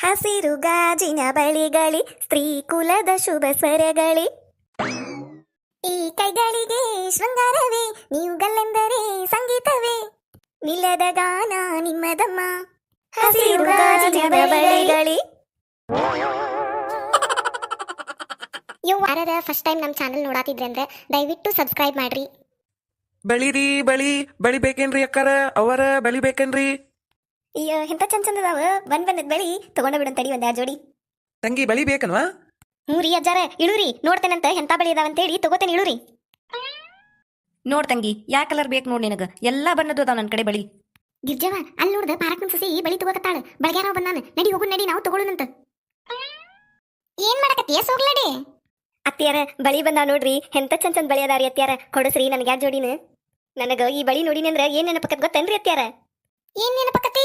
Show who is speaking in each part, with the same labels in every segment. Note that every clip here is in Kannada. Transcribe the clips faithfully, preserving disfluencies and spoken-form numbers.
Speaker 1: ಹಸಿರು ಗಾಜಿನ ಬಳಿಗಳಿ ಸ್ತ್ರೀ ಕುಲದ ಶುಭ ಸ್ವರಗಳಿ. ಈ ಕೈಗಳಿಗೆ ಶೃಂಗಾರವೇ, ನೀವುಗಳೆಂದರೆ ಸಂಗೀತವೇ, ನಿಲ್ಲದ ಗಾನ ನಿಮ್ಮದಮ್ಮ. ಹಸಿರು ಗಾಜಿನ ಬಳಿಗಳಿ. ಇವು ಯಾರ ಫಸ್ಟ್ ಟೈಮ್ ನಮ್ಮ ಚಾನಲ್ ನೋಡಾತಿದ್ರೆ ಅಂದ್ರೆ ದಯವಿಟ್ಟು ಸಬ್ಸ್ಕ್ರೈಬ್ ಮಾಡ್ರಿ.
Speaker 2: ಬಳಿರಿ ಬಳಿ ಬಳಿ ಬೇಕೇನ್ರಿ ಅಕ್ಕಾರ? ಅವರ ಬಳಿ ಬೇಕೇನ್ರಿ?
Speaker 1: ಅಯ್ಯೋ ಎಂತ ಚಂದ ಚಂದ ಅದಾವ. ಬಂದ್ ಬಂದದ್ ಬಳಿ ತಗೊಂಡ ಬಿಡನ್ ತಡಿ ಒಂದ್ ಎರಡು ಜೋಡಿ.
Speaker 2: ತಂಗಿ ಬಳಿ ಬೇಕನ್ವಾ?
Speaker 1: ಹ್ಞೂ ರೀ ಅಜ್ಜಾರ, ಇಳುರಿ ನೋಡ್ತೇನಂತ ಎಂತ ಬಳಿ ಇದಾವಂತೇಳಿ ತಗೋತೇನೆ, ಇಳುರಿ.
Speaker 3: ನೋಡ್ ತಂಗಿ, ಯಾ ಕಲರ್ ಬೇಕು ನೋಡಿ ನಿನಗ, ಎಲ್ಲಾ ಬಣ್ಣದ್ದು ಅದಾವ ನನ್ನ ಕಡೆ ಬಳಿ.
Speaker 1: ಗಿರ್ಜವ ಅಲ್ಲಿ ನೋಡ್ದ ಪಾರಕ್ ಸಸಿ ಬಳಿ ತಗೋಕತ್ತಾಳ. ಬಳಗ್ಯಾರ ಬಂದಾನ, ನಡಿ ಹೋಗು ನಡಿ, ನಾವು ತಗೊಳ್ಳೋಣಂತ. ಏನ್ ಮಾಡಕತ್ತೀಯ ಸೋಗ್ಲಡಿ? ಅತ್ತಿಯಾರ ಬಳಿ ಬಂದಾವ ನೋಡ್ರಿ, ಎಂತ ಚಂದ ಚಂದ ಬಳಿ ಅದಾರಿ ಅತ್ತಿಯಾರ, ಕೊಡಸ್ರಿ ನನಗೆ ಯಾರ ಜೋಡಿನ. ನನಗ ಈ ಬಳಿ ನೋಡಿನಿ ಅಂದ್ರ ಏನ್ ನೆನಪಕ್ಕತ್ ಗೊತ್ತೇನ್ರಿ ಅತ್ತಿಯಾರ? ಏನ್ ನೆನಪಕ್ಕತಿ?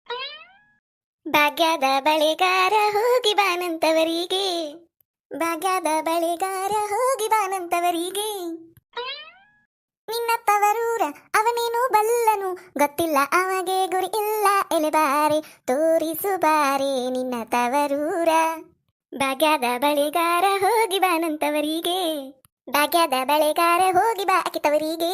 Speaker 1: ಭಾಗ್ಯದ ಬಳಿಗಾರ ಹೋಗಿ ಬಾನಂತವರಿಗೆ, ಭಾಗ್ಯದ ಬಳಿಗಾರ ಹೋಗಿ ಬಾನಂತವರಿಗೆ, ನಿನ್ನ ತವರೂರ ಅವನೇನು ಬಲ್ಲನು, ಗೊತ್ತಿಲ್ಲ ಅಮಗೆ ಗುರಿ ಇಲ್ಲ ಎಲೆಬಾರೆ, ತೋರಿಸು ಬಾರೆ ನಿನ್ನ ತವರೂರ. ಭಾಗ್ಯದ ಬಳಿಗಾರ ಹೋಗಿ ಬಾನಂತವರಿಗೆ, ಭಾಗ್ಯದ ಬಳಿಗಾರ ಹೋಗಿ ಬಾ ಅಕಿತವರಿಗೆ.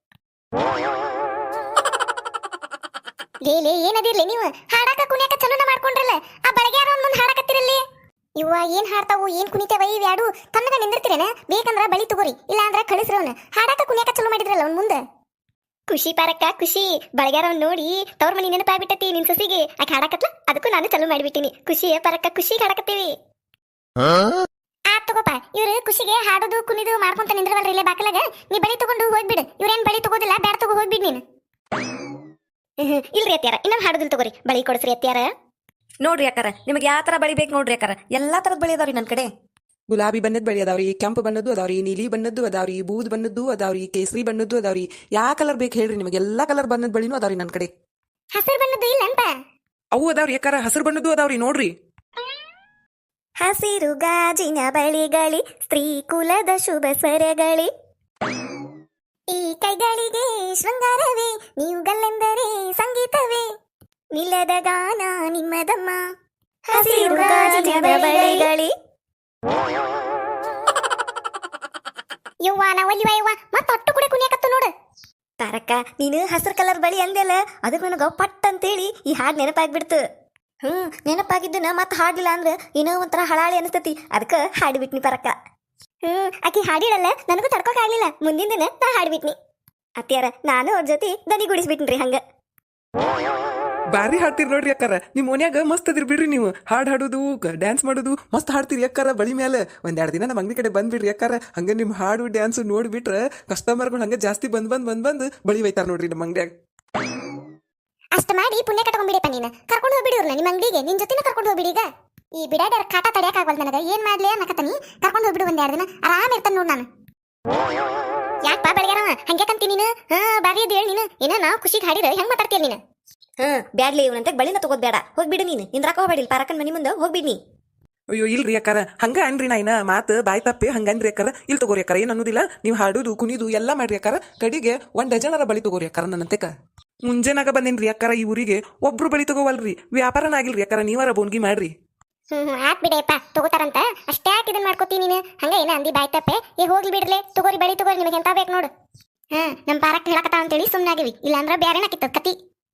Speaker 1: ಲೇಲೆ ಏನದಿರ್ಲಿ ನೀವು ಹಾಡಾಕ ಕುಣಿಯಾಕ ಚಲೋನ ಮಾಡ್ಕೊಂಡ್ರಲ್ಲ, ಆ ಬಳಗ್ಯಾರ ಒಂದ್ ಮುಂದ್ ಹಾಡಕತ್ತಿರಲ್ಲಿ. ಇವ್ವ ಏನ್ ಹಾಡ್ತಾವು ಏನ್ ಕುಣಿತೇವ ಇವ್ ಯಾಡು ತನ್ನಗ ನಿಂದಿರ್ತೀರೇನ? ಬೇಕಂದ್ರ ಬಳಿ ತಗೋರಿ, ಇಲ್ಲ ಅಂದ್ರ ಕಳಿಸ್ರವನ. ಹಾಡಾಕ ಕುಣಿಯಾಕ ಚಲೋ ಮಾಡಿದ್ರಲ್ಲ ಅವ್ನ ಮುಂದೆ. ಖುಷಿ ಪಾರಕ್ಕ ಖುಷಿ, ಬಳಗ್ಯಾರ ನೋಡಿ ತವ್ರ ಮನಿ ನೆನಪಾಗ್ಬಿಟ್ಟತಿ ನಿನ್ ಸಸಿಗೆ. ಆಕೆ ಹಾಡಕತ್ಲ, ಅದಕ್ಕೂ ನಾನು ಚಲೋ ಮಾಡಿಬಿಟ್ಟಿನಿ. ಖುಷಿ ಪಾರಕ್ಕ ಖುಷಿ ಹಾಡಕತ್ತೀವಿ. ಆತ್ ತಗೋಪ, ಇವ್ರು ಖುಷಿಗೆ ಹಾಡೋದು ಕುಣಿದು ಮಾಡ್ಕೊಂತ ನಿಂದ್ರವಲ್ರಿ ಇಲ್ಲೇ ಬಾಕಲಾಗ. ನೀ ಬಳಿ ತಗೊಂಡು ಹೋಗ್ಬಿಡು, ಇವ್ರೇನ್ ಬಳಿ ತಗೋದಿಲ್ಲ, ಬ್ಯಾಡ ತಗೋ ಹೋಗ್ಬಿಡ್ ನೀನು. ಇಲ್ರಿ ಅತ್ಯಾರ, ಇನ್ನೊಂದು ಹಾಡುದಿಲ್ ತಗೋರಿ, ಬಳಿ ಕೊಡ್ಸ್ರಿ ಅತ್ಯಾರ.
Speaker 3: ನೋಡ್ರಿ ಅಕ್ಕಾರ, ನಿಮಗೆ ಯಾವ ತರ ಬಳಿ ಬೇಕು ನೋಡ್ರಿ ಅಕ್ಕಾರ, ಎಲ್ಲಾ ತರದ್ ಬಳಿ ಅದಾವ್ರಿ ನನ್ನ ಕಡೆ.
Speaker 2: ಗುಲಾಬಿ ಬಣ್ಣದ ಬಳಿ ಅದಾವ್ರಿ, ಕೆಂಪು ಬಣ್ಣದ್ದು ಅದಾವ್ರಿ, ನೀಲಿ ಬಣ್ಣದ್ದು ಅದಾವ್ರಿ, ಬೂದ್ ಬಣ್ಣದ್ದು ಅದಾವ್ರಿ, ಕೇಸರಿ ಬಣ್ಣದ್ದು ಅದಾವ್ರಿ. ಯಾ ಕಲರ್ ಬೇಕು ಹೇಳ್ರಿ ನಿಮಗೆ, ಎಲ್ಲಾ ಕಲರ್ ಬಣ್ಣದ ಬಳಿನೂ ಅದಾವ್ರಿ ನನ್ನ ಕಡೆ.
Speaker 1: ಹಸಿರು ಬಣ್ಣದ್ದು ಇಲ್ಲ ಅಂತ?
Speaker 2: ಅವು ಅದಾವ್ರಿ ಅಕ್ಕಾರ, ಹಸಿರು ಬಣ್ಣದ್ದು ಅದಾವ್ರಿ ನೋಡ್ರಿ.
Speaker 1: ಹಸಿರು ಗಾಜಿನ ಬಳಿಗಳಿ ಸ್ತ್ರೀ ಕುಲದ ಶುಭ ಸ್ವರಗಳಿ. ಈ ಕೈಗಳಿಗೆ ಶೃಂಗಾರವೇ, ನೀವುಗಳೆಂದರೆ ಸಂಗೀತವೇ, ನಿಲ್ಲದ ಗಾನ ನಿಮ್ಮದಮ್ಮ. ಹಸಿರು ಗಾಜಿನ ಬಳಿಗಳಿ. ಯವ್ವ ನಾವಲ್ಲಿವ ಯವ್ವ ಮತ್ತ ಅಟ್ಟು ಕೂಡ ಕುಣಿಯಾಕತ್ತು ನೋಡು. ತಾರಕ್ಕ ನೀನು ಹಸಿರು ಕಲರ್ ಬಳಿ ಅಂದೆಲ್ಲ, ಅದಕ್ಕೆ ನನಗ ಪಟ್ ಅಂತೇಳಿ ಈ ಹಾಡು ನೆನಪಾಗ್ಬಿಡ್ತು. ಹ್ಮ್ ನೆನಪಾಗಿದ್ದನ ಮತ್ತೆ ಹಾಡ್ಲಿಲ್ಲ ಅಂದ್ರೆ ಏನೋ ಒಂಥರ ಹಳಾಳಿ ಅನಿಸ್ತತಿ, ಅದಕ್ಕೆ ಹಾಡಿಬಿಟ್ನಿ ಪರಕ್ಕ. ಹ್ಮ್ ಆಕಿ ಹಾಡಿಡಲ್ಲ, ನನಗೂ ತಡ್ಕೋಕ್ ಆಗ್ಲಿಲ್ಲ, ಮುಂದಿನ ದಿನ ನಾ ಹಾಡ್ಬಿಟ್ನಿ. ಅತ್ಯಾರ ನಾನು ಅವ್ರ ಜೊತೆ ದನಿ ಗುಡಿಸ್ಬಿಟ್ನ್ರಿ ಹಂಗ.
Speaker 2: ಬಾರಿ ಹಾಡ್ತೀರಿ ನೋಡ್ರಿ ಅಕ್ಕಾರ, ನಿಮ್ ಮನ್ಯಾಗ ಮಸ್ತ್ ಅದಿರ್ ಬಿಡ್ರಿ ನೀವು. ಹಾಡ್ ಹಾಡೋದು ಡ್ಯಾನ್ಸ್ ಮಾಡೋದು ಮಸ್ತ್ ಹಾಡ್ತೀರಿ ಅಕ್ಕಾರ. ಬಳಿ ಮೇಲೆ ಒಂದೆರಡು ದಿನ ನಮ್ಮ ಅಂಗಡಿ ಕಡೆ ಬಂದ್ಬಿಡ್ರಿ ಅಕ್ಕಾರ. ಹಂಗ ನಿಮ್ ಹಾಡು ಡ್ಯಾನ್ಸ್ ನೋಡ್ಬಿಟ್ರೆ ಕಸ್ಟಮರ್ಗಳು ಹಂಗ ಜಾಸ್ತಿ ಬಂದ್ ಬಂದ್ ಬಂದ್ ಬಂದ್ ಬಳಿ ಒಯ್ತಾರ ನೋಡ್ರಿ ನಮ್ಮ ಅಂಗಡಿಯಾಗ.
Speaker 1: ಅಷ್ಟ ಮಾಡಿ ಪುಣ್ಯ ಕಟ್ಕೊಂಡ್ಬಿಡಪ್ಪ ನೀನು. ಕರ್ಕೊಂಡು ಹೋಗ್ಬಿಡಿವ್ರಲ್ಲ ನಿಮ್ಮ ಅಂಗಡಿಗೆ, ನಿನ್ ಜೊತೆನ ಕರ್ಕೊಂಡು ಹೋಗ್ಬಿಡಿ. ಈಗ ಈ ಬಿಡಾಡ್ಯಾರ ಕಾಟ ತಡೆಯಕ್ ಆಗವಲ್ ನನಗ, ಏನ್ ಮಾಡ್ಲಿ ಅನ್ನಕತ್ತೀನಿ. ಕರ್ಕೊಂಡು ಹೋಗ್ಬಿಡು ಒಂದ್ ಎರಡು ದಿನ, ಆರಾಮ ಇರ್ತಾನ ನೋಡ್ ನಾನು. ಯಾಕಪ್ಪ ಬೆಳಗ್ಯಾರವ ಹಂಗೆ ಕಂತಿ ನೀನು? ಹಾ ಬಾರಿ ಅದ್ ಹೇಳಿ ನೀನು. ಏನ ನಾವು ಖುಷಿಗೆ ಹಾಡಿದ್ರೆ ಹೆಂಗ್ ಮಾತಾಡ್ತೀಯ ನೀನು? ಹಾ ಬ್ಯಾಡ್ಲಿ ಇವನಂತೆ ಬಳಿನ ತಗೋದ್ ಬೇಡ, ಹೋಗ್ಬಿಡು ನೀನು. ನಿಂದ್ರಾಕ ಹೋಗ್ಬೇಡಿ, ಪಾರಕನ್ ಮನಿ ಮುಂದೆ ಹೋಗ್ಬಿಡ್ನಿ.
Speaker 2: ಅಯ್ಯೋ ಇಲ್ರಿ ಅಕ್ಕಾರ, ಹಂಗ ಅನ್ರಿ ನಾ ಇನ್ನ ಮಾತು ಬಾಯ್ ತಪ್ಪಿ ಹಂಗನ್ರಿ ಅಕ್ಕಾರ. ಇಲ್ಲಿ ತಗೋರಿ ಅಕ್ಕಾರ, ಏನ್ ಅನ್ನೋದಿಲ್ಲ. ನೀವು ಹಾಡುದು ಕುಣಿದು ಎಲ್ಲಾ ಮಾಡ್ರಿ ಅಕ್ಕಾರ. ಕಡಿಗೆ ಒಂದ್ ಡಜನರ ಬಳಿ ತಗೋರಿ ಅಕ್ಕಾರ. ನನ್ನಂತೆಕ ಮುಂಜಾನಾಗ ಬಂದೇನ್ರಿ ಅಕ್ಕಾರ ಈ ಊರಿಗೆ, ಒಬ್ರು ಬಳಿ ತಗೋವಲ್ರಿ. ವ್ಯಾಪಾರನ ಆಗಿಲ್ರಿ ಅಕ್ಕಾರ, ನೀವಾರ ಬೋನ್ಗಿ ಮಾಡ್ರಿ.
Speaker 1: ಹ್ಮ್ ಹ್ಮ್ ಆತ್ ಬಿಡಪ್ಪ, ತಗೋತಾರಂತ ಅಷ್ಟೇ ಯಾಕೆ ಇದನ್ ಮಾಡ್ಕೋತಿ ನೀನು? ಹಂಗ ಏನ ಅಂದಿ ಬಾಯ್ ತಪ್ಪೆ. ಈಗ ಹೋಗ್ಲಿ ಬಿಡ್ಲೆ, ತಗೋರಿ ಬಳಿ ತಗೋರಿ, ನಿಮಗೆ ಎಂತ ಬೇಕು ನೋಡು. ಹಾ ನಮ್ ಪಾರಕ್ ಹೇಳಕತ್ತ ಅಂತೇಳಿ ಸುಮ್ನಾಗಿವಿ, ಇಲ್ಲಾಂದ್ರ ಬ್ಯಾರೇನಾಕಿತ್ತ ಕತಿ.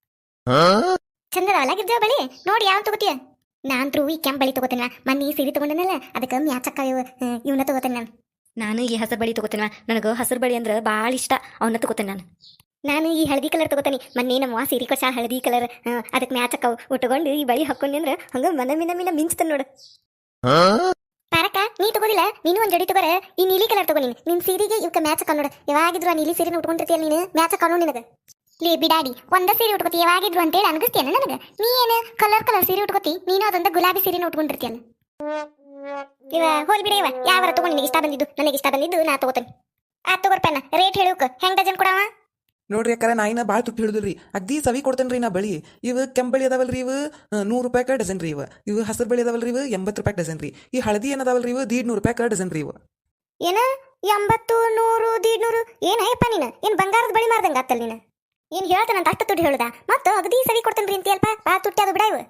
Speaker 1: ಚಂದದವಲ್ಲ ಗಿರ್ಜ ಬಳಿ, ನೋಡಿ ಯಾವ ತಗೋತಿಯ? ನಾನ್ ಈ ಕೆಂಪ್ ಬಳಿ ತಗೋತೇನ, ಮನ್ನಿ ಸೀರೆ ತಗೊಂಡನಲ್ಲ ಅದಕ್ಕೆ ಮ್ಯಾಚಕ್ಕ ಇವನ್ನ ತಗೋತೇನೆ ನಾನು.
Speaker 3: ನಾನು ಈ ಹಸಿರು ಬಳಿ ತಗೋತೇನ, ನನಗ ಹಸಿರು ಬಳಿ ಅಂದ್ರ ಬಾಳ ಇಷ್ಟ, ಅವನ್ನ ತಗೋತೇನೆ ನಾನು.
Speaker 1: ನಾನು ಈ ಹಳದಿ ಕಲರ್ ತಗೋತೀನಿ. ಮೊನ್ನೆ ನಮ್ಮ ಸೀರೆ ಕೊಡ್ಸ ಹಳದಿ ಕಲರ್, ಅದಕ್ಕೆ ಮ್ಯಾಚ್ ಅಕ್ಕವು. ಉಟ್ಕೊಂಡು ಈ ಬಳಿ ಹಾಕೊಂಡಿ ಅಂದ್ರೆ ಹಂಗ ಮನ ಮಿನ ಮಿನ ಮಿಂಚ್ತಾನ ನೋಡು. ಪಾರಕ್ಕ ನೀ ತಗೋದಿಲ್ಲ, ನೀನು ಒಂದ್ ಜಡಿ ತಗೋರ. ಈ ನೀಲಿ ಕಲರ್ ತಗೋ ನೀನು, ನಿನ್ ಸೀರೆಗೆ ಇವಕ್ಕೆ ಮ್ಯಾಚ್ ಅಕ್ಕ ನೋಡು. ಯಾವಾಗಿದ್ರು ಆ ನೀಲಿ ಸೀರೆನ ಉಟ್ಕೊಂಡಿರ್ತೀಯಲ್ಲ ನೀನು, ಮ್ಯಾಚ್ ಅಕ್ಕ ನೋಡು ನಿನಗ. ಲೇ ಬಿಡಾಡಿ, ಒಂದ ಸೀರೆ ಉಟ್ಕೋತಿ ಯಾವಾಗಿದ್ರು ಅಂತೇಳಿ ಅನ್ಗಿಸ್ತೀಯನ ನನಗ? ನೀ ಏನು ಕಲರ್ ಕಲರ್ ಸೀರೆ ಉಟ್ಕೋತಿ, ನೀನು ಅದೊಂದ ಗುಲಾಬಿ ಸೀರೆನ ಉಟ್ಕೊಂಡಿರ್ತೀಯಲ್ಲ. ಇವ ಹೋಲ್ ಬಿಡ, ಇವ ಯಾವಾರ ತಗೊಂಡು ನಿನಗೆ ಇಷ್ಟ ಬಂದಿದ್ದು, ನನಗೆ ಇಷ್ಟ ಬಂದಿದ್ದು ನಾ ತಗೋತೇನೆ. ಆ ತಗೋರ್ಪೆನ ರೇಟ್ ಹೇಳೋಕ ಹೆಂಗ್ ಡಜನ್ ಕೊಡವ?
Speaker 2: ನೋಡ್ರಿ ಅಕ್ಕಾರ, ನಾ ಇನ್ನ ಭಾಳ ತುಪ್ಪಿ ಹಿಡಿದ್ರಿ, ಅಗ್ದಿ ಸವಿ ಕೊಡ್ತೇನ್ರಿ ನಾ ಬಳಿ. ಇವು ಕೆಂಪ್ ಬಳಿ ಅದಾವಲ್ರಿ, ಇವು ನೂರು ರೂಪಾಯಿ ಡಜನ್ ರೀ. ಇವು ಇವು ಹಸಿರು ಬಳಿ ಅದಾವಲ್ರಿ, ಇವು ಎಂಬತ್ತು ರೂಪಾಯಿ ಡಜನ್ ರೀ. ಈ ಹಳದಿ ಏನದಾವಲ್ರಿ, ಇವು ದೀಡ್ ನೂರು ರೂಪಾಯಿ ಡಜನ್ ರೀ. ಇವು
Speaker 1: ಏನ ಎಂಬತ್ತು ನೂರು ದೀಡ್ನೂರು? ಏನಯ್ಯಪ್ಪ ನೀನು, ಏನ್ ಬಂಗಾರದ ಬಳಿ ಮಾರ್ದಂಗ ಆತಲ್ ನೀನು? ಏನ್ ಹೇಳ್ತಾನಂತ ಅಷ್ಟು ದುಡ್ಡು ಹೇಳುದ? ಮತ್ತ ಅಗದಿ ಸವಿ ಕೊಡ್ತೇನ್ರಿ ಅಂತೀಯಲ್ಪ, ಬಾ ತುಟ್ಟಿ ಅದು ಬಿಡ. ಇವು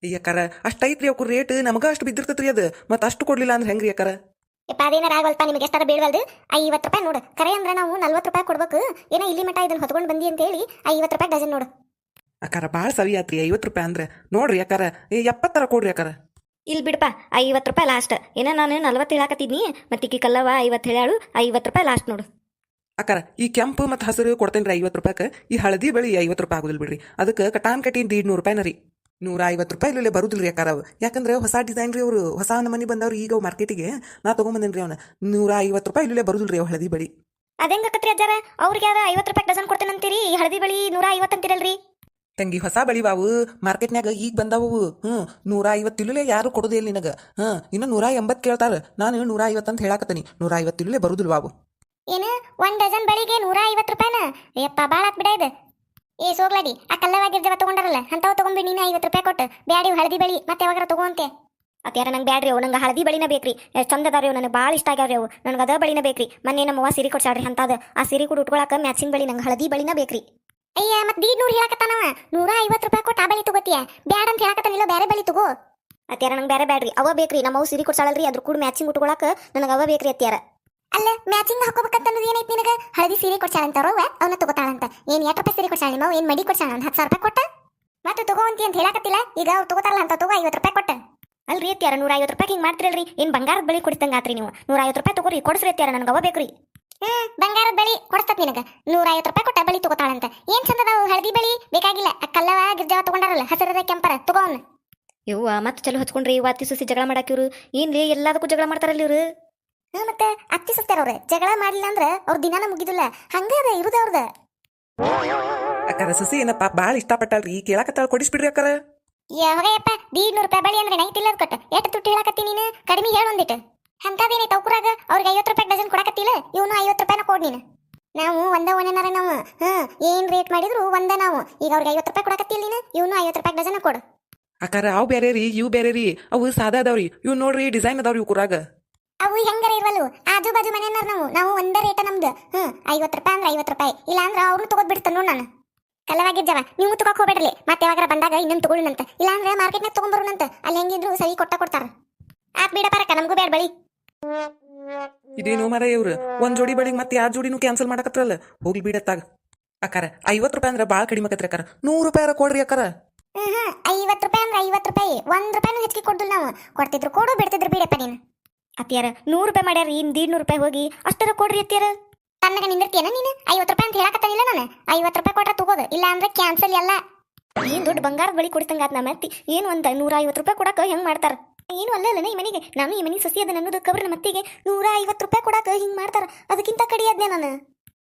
Speaker 2: ಅಯ್ಯಕ್ಕಾರ ಅಷ್ಟೈತ್ರಿ ಅವ್ಕು ರೇಟ್ ನಮಗ ಅಷ್ಟು ಬಿದ್ದಿರ್ತೈತ್ರಿ ಅದು ಮತ್ತೆ ಅಷ್ಟು ಕೊಡ್ಲಿಲ್ಲ ಅಂದ್ರೆ ಹೆಂಗ್ರಿ ಅಕ್ಕಾರ
Speaker 1: ಯಪ್ಪ ಅದೇನಾರ ಆಗವಲ್ಪ ನಿಮಗೆ ಎಷ್ಟಾರ ಬೀಳ್ವಲ್ದು ಐವತ್ತು ರೂಪಾಯಿ ನೋಡು ಕರೆ ಅಂದ್ರೆ ನಾವು ನಲ್ವತ್ತು ರೂಪಾಯಿ ಕೊಡ್ಬೇಕು ಏನೋ ಇಲ್ಲಿ ಮಟ ಇದನ್ನ ಹೊತ್ಕೊಂಡು ಬಂದಿ ಅಂತ ಹೇಳಿ ಐವತ್ತು ರೂಪಾಯಿ ಡಜನ್ ನೋಡು.
Speaker 2: ಅಕ್ಕಾರ ಭಾಳ ಸವಿ ಆತ್ರಿ ಐವತ್ತು ರೂಪಾಯಿ ಅಂದ್ರೆ ನೋಡ್ರಿ ಅಕ್ಕಾರ ಎಪ್ಪತ್ತರ ಕೊಡ್ರಿ ಅಕ್ಕಾರ.
Speaker 3: ಇಲ್ಲಿ ಬಿಡಪ್ಪ ಐವತ್ತು ರೂಪಾಯಿ ಲಾಸ್ಟ್ ಏನ ನಾನು ನಲ್ವತ್ತು ಹೇಳಾಕತ್ತಿದ್ನಿ ಮತ್ತೆ ಈಕಿ ಕಲ್ಲವ ಐವತ್ತು ಹೇಳಾಳು ಐವತ್ತು ರೂಪಾಯಿ ಲಾಸ್ಟ್ ನೋಡು.
Speaker 2: ಅಕ್ಕಾರ ಈ ಕೆಂಪು ಮತ್ತು ಹಸಿರು ಕೊಡ್ತೇನೆ ರೀ ಐವತ್ತು ರೂಪಾಯಿಗೆ ಈ ಹಳದಿ ಬಳಿ ಐವತ್ತು ರೂಪಾಯಿ ಆಗುದಿಲ್ಲ ಬಿಡ್ರಿ ಅದಕ್ಕೆ ಕಟಾನ್ ಕಟಿ ದೀಡ್ನೂರು ರೂಪಾಯಿನ ರೀ ನೂರ ಐವತ್ತು ರೂಪಾಯಿ ಇಲ್ಲೇ ಬರುದಿಲ್ಲ ರೀ ಅಕ್ಕಾರ ಅವು ಯಾಕಂದ್ರೆ ಹೊಸ ಡಿಸೈನ್ ರೀ ಅವರು ಹೊಸ ಮನೆ ಬಂದವ್ರು ಈಗ ಅವು ಮಾರ್ಕೆಟಿಗೆ ನಾ ತೊಗೊಂಬಂದೇನಿ ರೀ ಅವನ ನೂರ ಐವತ್ತು ರೂಪಾಯಿ ಇಲ್ಲೇ ಬರುದಿಲ್ಲ ರೀ ಅವು ಹಳದಿ ಬಳಿ.
Speaker 1: ಅದೇಂಗ ಕತ್ರಿ ಅಜ್ಜಾರ ಅವ್ರಿಗೆ ಯಾರ ಐವತ್ತು ರೂಪಾಯಿ ಡಜನ್ ಕೊಡ್ತೇನಂತೀರಿ ಈ ಹಳದಿ ಬಳಿ ನೂರ ಐವತ್ತು ಅಂತಿರಲ್ರಿ.
Speaker 2: ತಂಗಿ ಹೊಸ ಬಳಿ ಬಾವು ಮಾರ್ಕೆಟ್ನ್ಯಾಗ ಈಗ ಬಂದಾವು ಹ್ಞೂ ನೂರ ಐವತ್ತು ಇಲ್ಲೇ ಯಾರು ಕೊಡೋದೇ ಇಲ್ಲ ನಿನಗೆ ಹಾಂ ಇನ್ನು ನೂರ ಎಂಬತ್ತು ಕೇಳ್ತಾರೆ ನಾನು ನೂರ ಐವತ್ತು ಅಂತ ಹೇಳಾಕತ್ತೀನಿ ನೂರ ಐವತ್ತು ಇಲ್ಲೇ ಬರುದಿಲ್ಲ ಬಾವು.
Speaker 1: ಏನು ಒಂದ್ ಡಜನ್ ಬಳಿಗೆ ನೂರ ಐವತ್ತು ರೂಪಾಯಿನ ಯಪ್ಪ ಭಾಳ ಆತ್ ಬಿಡ ಇದು. ಏ ಸೋಗ್ಲಾಡಿ ಆ ಕಲ್ಲವಾಗಿರ್ಜವ ತಗೊಂಡಾರಲ್ಲ ಅಂತಾವ್ ತಗೊಂಡ್ಬಿಡಿ ನೀನು ಐವತ್ತು ರೂಪಾಯಿ ಕೊಟ್ಟು ಬ್ಯಾಡಿ ಹಳದಿ ಬಳಿ ಮತ್ತೆ ಯಾವಾಗಾರ ತಗೋಂತೆ.
Speaker 3: ಅತ್ಯಾರ ನಂಗೆ ಬ್ಯಾಡ್ರಿ ಅವು ನಂಗೆ ಹಳದಿ ಬಳಿನ ಬೇಕ್ರಿ ಎಷ್ಟು ಚಂದ ಅದಾವ್ರಿ ಅವು ನನಗೆ ಭಾಳ ಇಷ್ಟ ಆಗ್ಯಾವ್ರಿ ಅವು ನನಗೆ ಅದ ಬಳಿನ ಬೇಕ್ರಿ ಮೊನ್ನೆ ನಮ್ಮ ಅವ್ವ ಸೀರೆ ಕೊಡ್ಸಾಡ್ರಿ ಅಂತದ ಆ ಸೀರೆ ಕೂಡ ಉಟ್ಕೊಳಕ ಮ್ಯಾಚಿಂಗ್ ಬಳಿ ನಂಗೆ ಹಳದಿ ಬಳಿನ ಬೇಕ್ರಿ.
Speaker 1: ಅಯ್ಯ ಮತ್ತೆ ದೀಡ್ನೂರು ಹೇಳಕತ್ತಾನವ ನೂರ ಐವತ್ತು ರೂಪಾಯಿ ಕೊಟ್ಟು ಆ ಬಳಿ ತಗೋತೀಯ ಬ್ಯಾಡ ಅಂತ ಹೇಳಕತ್ತಾನಿಲ್ಲ ಬೇರೆ ಬಳಿ ತಗೋ.
Speaker 3: ಅತ್ಯಾರ ನಂಗೆ ಬೇರೆ ಬ್ಯಾಡ್ರಿ ಅವ ಬೇಕ್ರಿ ನಮ್ಮ ಅವು ಸೀರೆ ಕೊಡ್ಸಾಳಲ್ರಿ ಅದ್ರ ಕೂಡ ಮ್ಯಾಚಿಂಗ್ ಉಟ್ಕೊಳಕ ನನಗೆ ಅವ ಬೇಕ್ರಿ ಅತ್ಯಾರ.
Speaker 1: ಅಲ್ಲ ಮ್ಯಾಚಿಂಗ್ ಹಾಕೋಬೇಕಂತ ಏನೈತಿ ನಿನಗೆ ಹಳದಿ ಸೀರೆ ಕೊಡ್ಸಾಳಂತಾರವ ಅವನ್ನ ತಗೋತಾಳಂತ ಏನ್ ಎಷ್ಟು ರೂಪಾಯಿ ಸೀರೆ ಕೊಡ್ಸಾಳ ನಿಮ್ಮ ಏನ್ ಮಡಿ ಕೊಡ್ಸಾಳ ಒಂದು ಹತ್ತು ಸಾವಿರ ರೂಪಾಯಿ ಕೊಟ್ಟ ಮತ್ತೆ ತಗೋಂತಿ ಅಂತ ಹೇಳಕತ್ತಿಲ್ಲ ಈಗ ಅವ್ರು ತಗೋತಾರಲ್ಲ ಅಂತ ತಗೋ ಐವತ್ತು ರೂಪಾಯಿ ಕೊಟ್ಟ.
Speaker 3: ಅಲ್ರಿ ಅತ್ಯಾರ ನೂರ ಐವತ್ತು ರೂಪಾಯಿ ಹಿಂಗೆ ಮಾಡ್ತಿರಲ್ರಿ ಏನು ಬಂಗಾರದ ಬಳಿ ಕೊಡ್ತಂಗೆ ಆತ್ರಿ ನೀವು ನೂರ ಐವತ್ತು ರೂಪಾಯಿ ತಗೋರಿ ಕೊಡ್ಸ್ರಿ ಅತ್ಯಾರ ನನಗೆ ಅವ ಬೇಕ್ರಿ.
Speaker 1: ಹ್ಮ್ ಬಂಗಾರದ ಬಳಿ ಕೊಡ್ಸ್ತತ್ ನಿನಗ ನೂರ ಐವತ್ತು ರೂಪಾಯಿ ಕೊಟ್ಟ ಬಳಿ ತಗೋತಾಳಂತ ಏನ್ ಚಂದದಾವು ಹಳದಿ ಬಳಿ ಬೇಕಾಗಿಲ್ಲ ಆ ಕಲ್ಲವ ಗಿರ್ಜವ ತಗೊಂಡಾರಲ್ಲ ಹಸಿರದ ಕೆಂಪರ ತಗೋನ್.
Speaker 3: ಯವ್ವ ಮತ್ತೆ ಚಲೋ ಹಚ್ಕೊಂಡ್ರಿ ಇವ ಅತ್ತಿ ಸುಸಿ ಜಗಳ ಮಾಡಾಕಿವ್ರು ಏನ್ಲಿ ಎಲ್ಲದಕ್ಕೂ ಜಗಳ ಮಾಡ್ತಾರಲ್ಲ ಇವ್ರು.
Speaker 1: ಹ್ಮ್ ಮತ್ತೆ ಅತ್ತಿ ಸುತ್ತಾರವ್ರೆ ಜಗಳ ಮಾಡ್ಲಿಲ್ಲ ಅಂದ್ರ ಅವ್ರ ದಿನಾನ ಮುಗಿದಿಲ್ಲ ಹಂಗ ಅದ ಇರುದ ಅವ್ರದ.
Speaker 2: ಅಕ್ಕಾರ ಸಸಿ ಏನಪ್ಪ ಭಾಳ ಇಷ್ಟಪಟ್ಟಲ್ರಿ ಕೇಳಾಕತ್ತಾಳ ಕೊಡಿಸ್ಬಿಡ್ರಿ ಅಕ್ಕಾರ.
Speaker 1: ಯಾವಾಗಯ್ಯಪ್ಪ ದೀಡ್ನೂರು ರೂಪಾಯಿ ಬಳಿ ಅಂದ್ರೆ ನೈಟ್ ಇಲ್ಲದ ಕೊಟ್ಟ ಎಷ್ಟು ತುಟ್ಟಿ ಹೇಳಕತ್ತಿ ನೀನು ಕಡಿಮೆ ಹೇಳ ಒಂದಿಟ್ಟು ಅಂತದೇನೈತೆ ಅವ್ಕುರಾಗ ಅವ್ರಿಗೆ ಐವತ್ತು ರೂಪಾಯಿ ಡಜನ್ ಕೊಡಕತ್ತಿಲ್ಲ ಇವನು ಐವತ್ತು ರೂಪಾಯಿನ ಕೊಡ್ ನೀನು. ನಾವು ಒಂದ ಒಂದೇನಾರ ನಾವು ಹ್ಮ್ ಏನ್ ರೇಟ್ ಮಾಡಿದ್ರು ಒಂದ ನಾವು ಈಗ ಅವ್ರಿಗೆ ಐವತ್ತು ರೂಪಾಯಿ ಕೊಡಕತ್ತಿಲ್ಲ ನೀನು ಇವನು ಐವತ್ತು ರೂಪಾಯಿ ಡಜನ್ ಕೊಡು.
Speaker 2: ಅಕ್ಕಾರ ಅವು ಬೇರೆ ರೀ ಇವು ಬೇರೆ ರೀ ಅವು ಸಾದಾ ಅದಾವ್ರಿ ಇವು ನೋಡ್ರಿ ಡಿಸೈನ್ ಅದಾವ್ರಿ ಇವು ಕುರಾಗ.
Speaker 1: ಅವು ಹೆಂಗಾರ ಇರ್ವಲ್ಲು ಆಜು ಬಾಜು ಮನೆಯನ್ನಾರ ನಾವು ನಾವು ಒಂದ ರೇಟ ನಮ್ದು ಹ್ಮ್ ಐವತ್ತು ರೂಪಾಯಿ ಅಂದ್ರೆ ಐವತ್ತು ರೂಪಾಯಿ ಇಲ್ಲ ಅಂದ್ರೆ ಅವ್ರು ತಗೋದ್ ಬಿಡ್ತಾನ ನೋಡ್ ನಾನು. ಕಲ್ಲವಾಗಿರ್ಜವ ನೀವು ತಗೋಕ್ ಹೋಗ್ಬೇಡ್ರಿ ಮತ್ತೆ ಯಾವಾಗಾರ ಬಂದಾಗ ಇನ್ನೊಂದು ತಗೊಳ್ಳಂತ ಇಲ್ಲ ಅಂದ್ರೆ ಮಾರ್ಕೆಟ್ನಾಗ ತಗೊಂಡ್ಬರೋಣಂತ ಅಲ್ಲಿ ಹೆಂಗಿದ್ರು ಸರಿ ಕೊಟ್ಟ ಕೊಡ್ತಾರ. ಆತ್ ಬಿಡ ಪರಕ ನಮಗೂ ಬೇಡ ಬಳಿ.
Speaker 2: ಇದೇನು ಮರ ಇವ್ರು ಒಂದ್ ಜೋಡಿ ಬಳಿಗೆ ಮತ್ತೆ ಯಾವ ಜೋಡಿನೂ ಕ್ಯಾನ್ಸಲ್ ಮಾಡಕತ್ರಲ್ಲ ಹೋಗ್ಲಿ ಬಿಡತ್ತಾಗ. ಅಕ್ಕಾರ ಐವತ್ತು ರೂಪಾಯಿ ಅಂದ್ರೆ ಭಾಳ ಕಡಿಮೆ ಆಕತ್ರಿ ಅಕ್ಕಾರ ನೂರು ರೂಪಾಯಿ ಕೊಡ್ರಿ ಅಕ್ಕಾರ.
Speaker 1: ಹ್ಮ್ ಹ್ಮ್ ಐವತ್ತು ರೂಪಾಯಿ ಅಂದ್ರೆ ಐವತ್ತು ರೂಪಾಯಿ ಒಂದ್ ರೂಪಾಯಿನೂ ಹೆಚ್ಚಿಗೆ ಕೊಡ್ದಿಲ್ಲ ನಾವು ಕೊಡ್ತಿದ್ರು ಕೊಡು ಬಿಡ್ತಿದ್ರು ಬಿಡಪ್ಪ ನೀನು.
Speaker 3: ಅತ್ಯಾರ ನೂರು ರೂಪಾಯಿ ಮಾಡ್ಯಾರ ಇನ್ ದೀಡ್ನೂರು ರೂಪಾಯಿ ಹೋಗಿ ಅಷ್ಟರ ಕೊಡ್ರಿ ಅತ್ಯಾರ.
Speaker 1: ತನ್ನಗ ನಿಂದಿರ್ತೀಯನ ನೀನು ಐವತ್ತು ರೂಪಾಯಿ ಅಂತ ಹೇಳಕತ್ತಾನಿಲ್ಲ ನಾನು ಐವತ್ತು ರೂಪಾಯಿ ಕೊಟ್ರೆ ತಗೋದು ಇಲ್ಲ ಅಂದ್ರೆ ಕ್ಯಾನ್ಸಲ್ ಎಲ್ಲ.
Speaker 3: ಏನ್ ದೊಡ್ಡ ಬಂಗಾರದ ಬಳಿ ಕೊಡ್ತಂಗ ಆತ್ ನಮ್ಮ ಅತ್ತಿ ಏನು ಒಂದ ನೂರ ಐವತ್ತು ರೂಪಾಯಿ ಕೊಡಾಕ ಹೆಂಗ್ ಮಾಡ್ತಾರ ಏನು ಅಲ್ಲಲ್ಲ ಈ ಮನೆಗೆ ನಾನು ಈ ಮನೆ ಸೊಸಿ ಅದ ಅನ್ನೋದು ಕಬ್ರ ಮತ್ತಿಗೆ ನೂರ ಐವತ್ತು ರೂಪಾಯಿ ಕೊಡಾಕ ಹಿಂಗ್ ಮಾಡ್ತಾರ ಅದಕ್ಕಿಂತ ಕಡಿ ಅದ್ನೇ ನಾನು.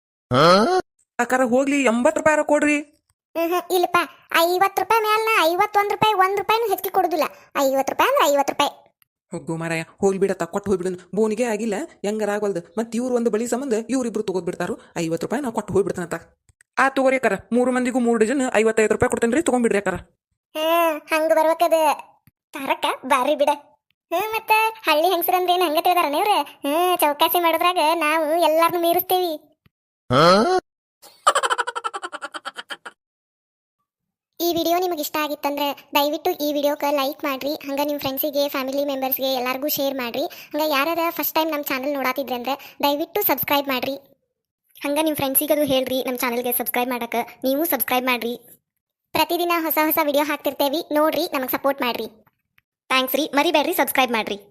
Speaker 2: ಅಕ್ಕಾರ ಹೋಗ್ಲಿ ಎಂಬತ್ತು ರೂಪಾಯಿ ಕೊಡ್ರಿ.
Speaker 1: ಹ್ಮ್ ಹ್ಮ್ ಇಲ್ಲಪ್ಪ ಐವತ್ತು ರೂಪಾಯಿ ಮ್ಯಾಲ ಐವತ್ತೊಂದು ರೂಪಾಯಿ ಒಂದ್ ರೂಪಾಯಿನೂ ಹೆಚ್ಚಿಗೆ ಕೊಡುದಿಲ್ಲ ಐವತ್ತು ರೂಪಾಯಿ ಅಂದ್ರೆ ಐವತ್ತು ರೂಪಾಯಿ.
Speaker 2: ಹೋಗು ಮಾರಾಯ ಹೋಗ್ಲಿ ಬಿಡತ್ತ ಕೊಟ್ಟು ಹೋಗ್ಬಿಡನ್ ಬೋನಿಗೆ ಆಗಿಲ್ಲ ಹೆಂಗಾರ ಆಗವಲ್ದು ಮತ್ತೆ ಇವ್ರು ಒಂದು ಬಳಿ ಸಂಬಂಧ ಇವ್ರಿಬ್ರು ತಗೋದ್ ಬಿಡ್ತಾರು ಐವತ್ತು ರೂಪಾಯಿ ನಾವು ಕೊಟ್ಟು ಹೋಗ್ಬಿಡ್ತಾನಂತ. ಆ ತಗೋರಿ ಅಕ್ಕಾರ ಮೂರು ಮಂದಿಗೂ ಮೂರು ಡಜನ್ ಐವತ್ತೈದು ರೂಪಾಯಿ ಕೊಡ್ತೇನೆ ತಗೊಂಡ್ಬಿಡ್ರಿ ಅಕ್ಕಾರ.
Speaker 1: ಹ್ಮ್ ಹಂಗ ಬರ್ಬೇಕದ ತಾರಕ್ಕ ಬಾರಿ ಬಿಡ. ಹ್ಮ್ ಮತ್ತ ಹಳ್ಳಿ ಹೆಂಗಸರಂದ್ರೆ ಏನ್ ಹಂಗ ತಿಳಿದಾರ ನೀವ್ರ ಹ್ಮ್ ಚೌಕಾಸಿ ಮಾಡೋದ್ರಾಗ ನಾವು ಎಲ್ಲಾರನು ಮೀರಿಸ್ತೀವಿ. ಈ ವಿಡಿಯೋ ನಿಮಗೆ ಇಷ್ಟ ಆಗಿತ್ತಂದ್ರೆ ದಯವಿಟ್ಟು ಈ ವಿಡಿಯೋಕ್ಕೆ ಲೈಕ್ ಮಾಡ್ರಿ ಹಂಗ ನಿಮ್ಮ ಫ್ರೆಂಡ್ಸಿಗೆ ಫ್ಯಾಮಿಲಿ ಮೆಂಬರ್ಸ್ಗೆ ಎಲ್ಲರಿಗೂ ಶೇರ್ ಮಾಡ್ರಿ ಹಂಗ ಯಾರ್ಯಾರ ಫಸ್ಟ್ ಟೈಮ್ ನಮ್ಮ ಚಾನಲ್ ನೋಡಾತಿದ್ರೆ ಅಂದ್ರೆ ದಯವಿಟ್ಟು ಸಬ್ಸ್ಕ್ರೈಬ್ ಮಾಡ್ರಿ
Speaker 3: ಹಂಗ ನಿಮ್ಮ ಫ್ರೆಂಡ್ಸಿಗೆ ಅದು ಹೇಳ್ರಿ ನಮ್ಮ ಚಾನಲ್ಗೆ ಸಬ್ಸ್ಕ್ರೈಬ್ ಮಾಡಕ್ಕೆ ನೀವು ಸಬ್ಸ್ಕ್ರೈಬ್ ಮಾಡ್ರಿ.
Speaker 1: ಪ್ರತಿದಿನ ಹೊಸ ಹೊಸ ವಿಡಿಯೋ ಹಾಕ್ತಿರ್ತೇವಿ ನೋಡ್ರಿ ನಮಗೆ ಸಪೋರ್ಟ್ ಮಾಡ್ರಿ.
Speaker 3: ಥ್ಯಾಂಕ್ಸ್ ರೀ ಮರಿಬೇಡ್ರಿ ಸಬ್ಸ್ಕ್ರೈಬ್ ಮಾಡ್ರಿ.